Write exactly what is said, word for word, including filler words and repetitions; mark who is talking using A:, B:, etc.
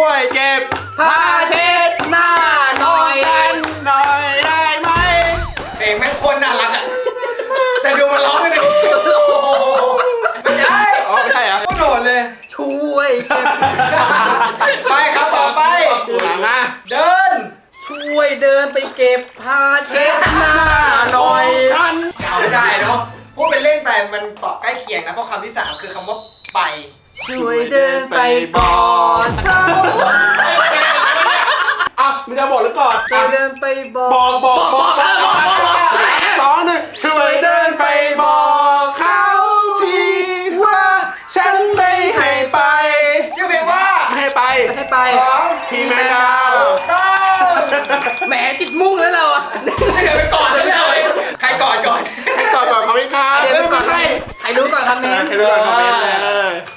A: วยเก็บผ้าเช็ดหน้าหน่อยหน่อยได้ไหมเพลงแม่งโคตรน่ารักอ่ะแต่ดูมันร้องกันดิไม่ใช่อ๋อไม่ใช่เหรอโคตรโหดเลยช่วยเก็บไปครับต่อไปมาเดินช่วยเดินไปเก็บผ้าเช็ดหน้าหน่อยฉันเอาไม่ได้เนาะพูดเป็นเล่นไปมันตอบใกล้เคียงนะเพราะคำที่สามคือคำว่าไปช่วยเดินไปบอกเขาอ่ะมึงจะบอกหรือก่อนช่วยเดินไปบอกบอกบอกบอกบอกสองหนึ่งช่วยเดินไปบอกเขาทีว่าฉันไม่ให้ไปชื่อเพลงว่าไม่ให้ไปไม่ให้ไปของทีแมนดาวแหมติดมุ่งแล้วเราอ่ะให้เดินไปก่อนเลยใครก่อนก่อนใครก่อนก่อนเขาไม่ค้าเดี๋ยวไม่ใครใครรู้ก่อนคำนี้ใครรู้ก่อนคำนี้เลย